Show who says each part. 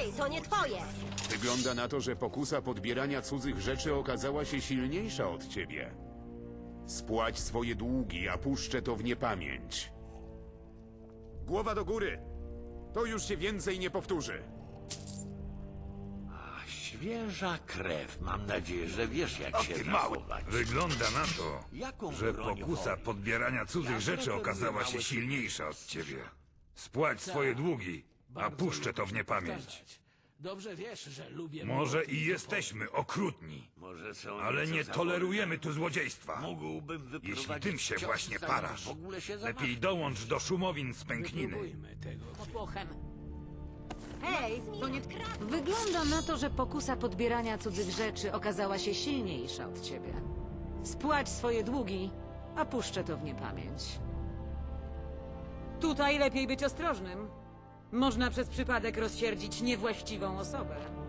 Speaker 1: Hej, to nie twoje!
Speaker 2: Wygląda na to, że pokusa podbierania cudzych rzeczy okazała się silniejsza od ciebie. Spłać swoje długi, a puszczę to w niepamięć. Głowa do góry! To już się więcej nie powtórzy.
Speaker 3: Świeża krew. Mam nadzieję, że wiesz, jak się
Speaker 4: Ty mały!
Speaker 3: zachować.
Speaker 4: Wygląda na to,
Speaker 3: Jaką
Speaker 4: że
Speaker 3: broń
Speaker 4: pokusa
Speaker 3: woli?
Speaker 4: podbierania cudzych
Speaker 3: Ja
Speaker 4: rzeczy
Speaker 3: preferuję
Speaker 4: okazała się
Speaker 3: małe
Speaker 4: silniejsza od ciebie. Spłać swoje długi, a puszczę to w niepamięć.
Speaker 5: Dobrze wiesz, że lubię...
Speaker 4: Może i jesteśmy okrutni,
Speaker 3: Może są
Speaker 4: ale
Speaker 3: nieco
Speaker 4: nie
Speaker 3: za
Speaker 4: tolerujemy
Speaker 3: wolne.
Speaker 4: tu złodziejstwa.
Speaker 3: Mógłbym wyprowadzić
Speaker 4: Jeśli tym się
Speaker 3: cios,
Speaker 4: właśnie
Speaker 3: zanim
Speaker 4: parasz,
Speaker 3: w ogóle się
Speaker 4: lepiej
Speaker 3: zamachnę.
Speaker 4: dołącz do szumowin z pękniny.
Speaker 5: Spróbujmy tego. Popochem.
Speaker 1: Hej, to nie...
Speaker 6: Wygląda na to, że pokusa podbierania cudzych rzeczy okazała się silniejsza od ciebie. Spłać swoje długi, a puszczę to w niepamięć. Tutaj lepiej być ostrożnym. Można przez przypadek rozsierdzić niewłaściwą osobę.